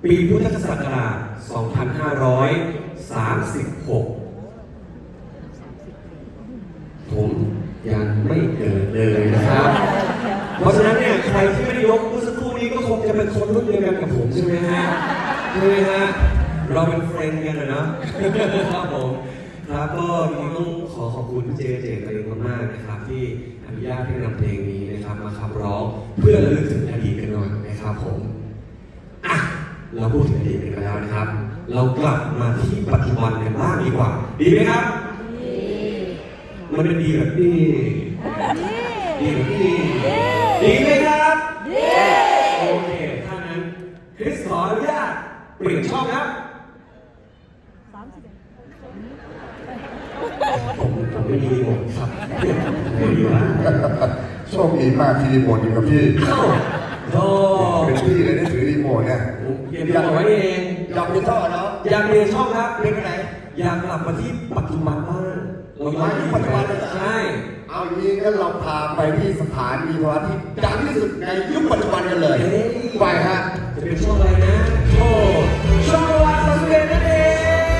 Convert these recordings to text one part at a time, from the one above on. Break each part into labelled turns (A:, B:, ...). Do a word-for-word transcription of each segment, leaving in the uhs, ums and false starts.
A: ปีพุทธศักราช สองพันห้าร้อยสามสิบหก ผมยังไม่เกิดเลยนะครับ เพราะฉะนั้นเนี่ยใครที่ไม่ได้ยกเมื่อสักครู่นี้ก็คงจะเป็นคนรุ่นเดียวกันกับผมใช่ไหมฮะใช่ไหมฮะเราเป็นเฟรนด์กันนะเนาะครับผมครับก็จริงๆต้องขอขอบคุณพี่เจเจตเลยมากๆนะครับที่อนุญาตให้นำเพลงนี้นะครับมาขับร้องเพื่อระลึกถึงอดีตกันหน่อยนะครับผมอ่ะเราพูดถึงอดีตกันแล้วนะครับเรากลับมาที่ปัจจุบันกันบ้างดีกว่าดีไหมครับดีมันเป็นดีแบบนี้ดีแบบนี้ดีไหมครับดีโอเคถ้างั้นคริสขออนุญาตเปลี่ยนช่องครับผมผมไม่มีรีโมทครับไม่มีว่า
B: โชคดีมากที่รีโมทอยู่กับพี่
A: โอ้
B: เป็นพี่เลยได้ถือรีโมทเนี่ย
A: อยากไว้เอง
B: อยากเปลี่ยนช่องเนาะ
A: อยากเปลี่ยนช่องครับเปลี่ยนไปไหนอยากกลับมาที่ปัจจุบันบ้าง
B: เราย้ายที่ปัจจุบันเลย
A: ใช่
B: เอาอย่างนี้งั้นเราพาไปที่สถานีโทรทัศน์ที่ดังที่สุดในยุคปัจจุบันกันเลยไปฮะ
A: จะเป็นช่องอะไรนะโอ้ช่องวันสังเกตนั่นเอง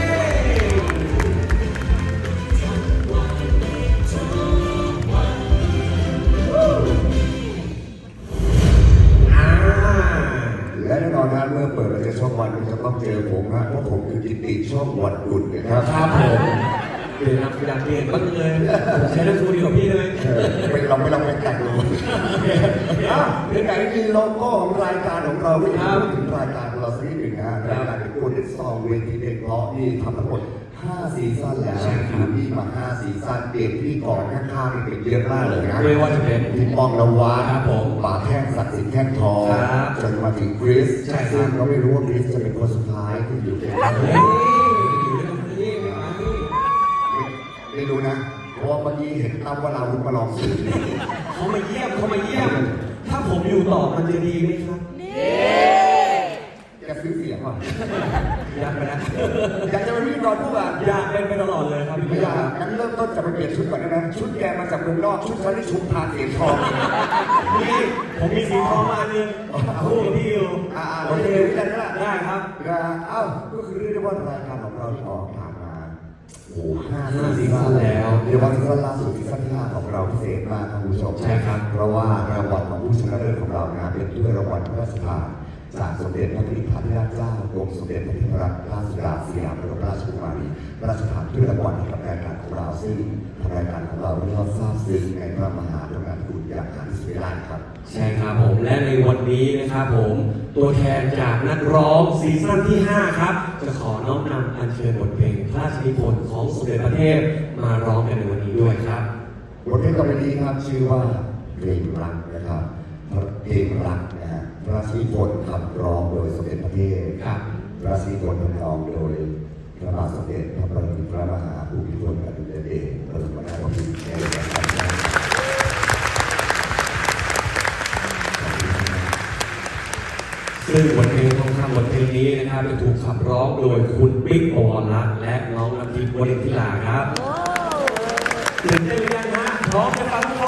B: และแน่นอนนะเมื่อเปิดเราจะช่องวันจะต้องเจอผมนะเพราะผมคือกิตติช่องวันดุลนะครับ
A: ครับผมเปลี่ยนนักอยากเปลี่ยนบ้างเลยใช้นักสูดีกว่าพี่เลย
B: ไปลองไปลองไปแต่งดูเรื่องไหนมีโลโก้ของรายการของเราไม่ทำถึงรายการเราสักนิดหนึ่งนะรายการเป็นคนที่ซองเวทีเพลงเพราะนี่ทำทั้งหมดห้าซีซั่นแล้วอยู่ที่มาห้าซีซั่นเปลี่ยนที่ก่อนข้างๆนี่เป็นเยอะมากเลยนะ
A: ไม่ว่าจะเป็น
B: พี่ป้องนวัด
A: ครับผม
B: ป่าแท่งศักดิ์สิทธิ์แท่งทองจนมาถึงคริสซึ่งเราไม่รู้ว่าคริสจะเป็นคนสุดท้ายที่อยู่ในไม่รู้นะเพราะว่าเมื่อกี้เห็นตั้มว่าเรามาลองสื่อ
A: เขามาเยี่ยมเขามาเยี่ยมถ้าผมอยู่ต่อมันจะดีไหมครับ
B: จะซื้อเสียงก่อน
A: อยากไปนะ
B: อยากจะเป็นพิธีกรผู้อ่ะ
A: อยากเป็นไปตลอดเลยครับ
B: ไม่อยากงั้นเริ่มต้นจะไปเปลี่ยนชุดก่อนได้ไหมชุดแกมาจากเมืองนอกชุดฉันที่ชุบทานเสียงทอง
A: นี่ผมมีสีทองมาหนึ่งคู่กับพี่อยู่
B: อ่าโอเคได้แล้ว
A: ได้ครับ
B: อ้าวก็คือเรียกได้ว่ารายการของเราที่ออกผ่านมาโอ้ห้า
A: ซีซั่นแล้ว
B: เดี๋ยววันซีซั่นล่าสุดซีซั่นที่ห้าของเราพิเศษมากครับคุณผู้ชม
A: ใช่ครับ
B: เพราะว่ารางวัลของผู้ชนะเลิศของเรานะเป็นถ้วยรางวัลพระราชทานจากสมเด็จพระนิธิธิราชเจ้ากรมสมเด็จพระเทพรัตนราชสุดาสยามบรมราชกุมารีพระราชทานถ้วยรางวัลให้กับรายการของเราซึ่งทางรายการของเราได้รับทราบซึ้งในพระมหากรุณาธิคุณอย่างหาที่สุดไม่ได้ครับ
A: ใช่ครับผมและในวันนี้นะครับผมตัวแทนจากนักร้องซีซั่นที่ห้าครับจะขอน้อมนำอัญเชิญบทเพลงพระราชนิพนธ์ของสมเด็จพระเทพมาร้องกันในวันนี้ด้วยครับ
B: บทเพลงต่อไปนี้ครับชื่อว่าเพลงรักนะครับเพลงรักนะฮะพระราชนิพนธ์ขับร้องโดยสมเด็จพระเทพพระราชนิพนธ์ทำนองโดยพระบาทสมเด็จพระปรมินทรมหาภูมิพลอดุลยเดชบรมนาถบพิตรในรัชกาลที่ห้า
A: ซึ่งบทเพลงทองคำบทเพลงนี้นะครับจะถูกขับร้องโดยคุณปิ๊ก ปวรรัตน์และน้องน้ำทิพย์ วรินทิราครับตื่นเต้นหรือยังฮะพร้อมจะฟัง